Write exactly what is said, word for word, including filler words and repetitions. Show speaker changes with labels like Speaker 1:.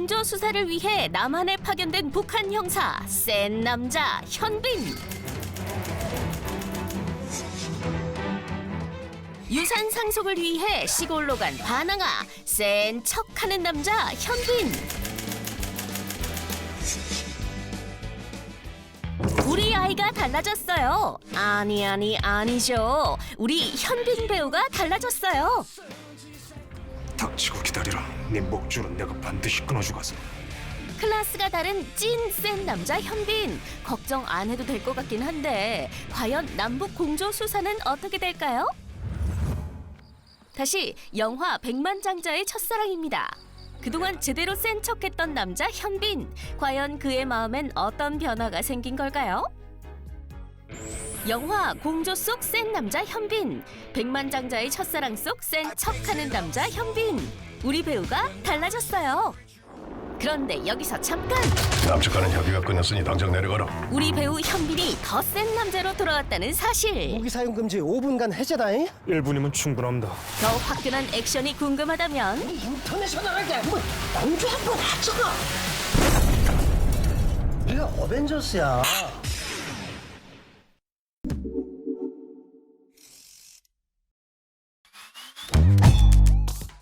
Speaker 1: 공조 수사를 위해 남한에 파견된 북한 형사 센 남자 현빈. 유산 상속을 위해 시골로 간 반항아 센 척하는 남자 현빈. 우리 아이가 달라졌어요. 아니 아니 아니죠. 우리 현빈 배우가 달라졌어요.
Speaker 2: 닥치고 기다리라. 네 목줄은 내가 반드시 끊어주겠어.
Speaker 1: 클래스가 다른 찐 센 남자 현빈. 걱정 안 해도 될 것 같긴 한데 과연 남북 공조 수사는 어떻게 될까요? 다시 영화 백만장자의 첫사랑입니다. 그동안 제대로 센 척했던 남자 현빈. 과연 그의 마음엔 어떤 변화가 생긴 걸까요? 영화 공조 속 센 남자 현빈. 백만장자의 첫사랑 속 센 척하는 남자 현빈. 우리 배우가 달라졌어요. 그런데 여기서 잠깐!
Speaker 3: 남측과는 협의가 끝났으니 당장 내려가라.
Speaker 1: 우리 배우 현빈이 더 센 남자로 돌아왔다는 사실.
Speaker 4: 무기 사용 금지 오 분간 해제다잉.
Speaker 2: 일 분이면 충분합니다.
Speaker 1: 더 화끈한 액션이 궁금하다면
Speaker 4: 인터내셔널하게 뭐 공주 한번 하자가. 우리가 어벤져스야.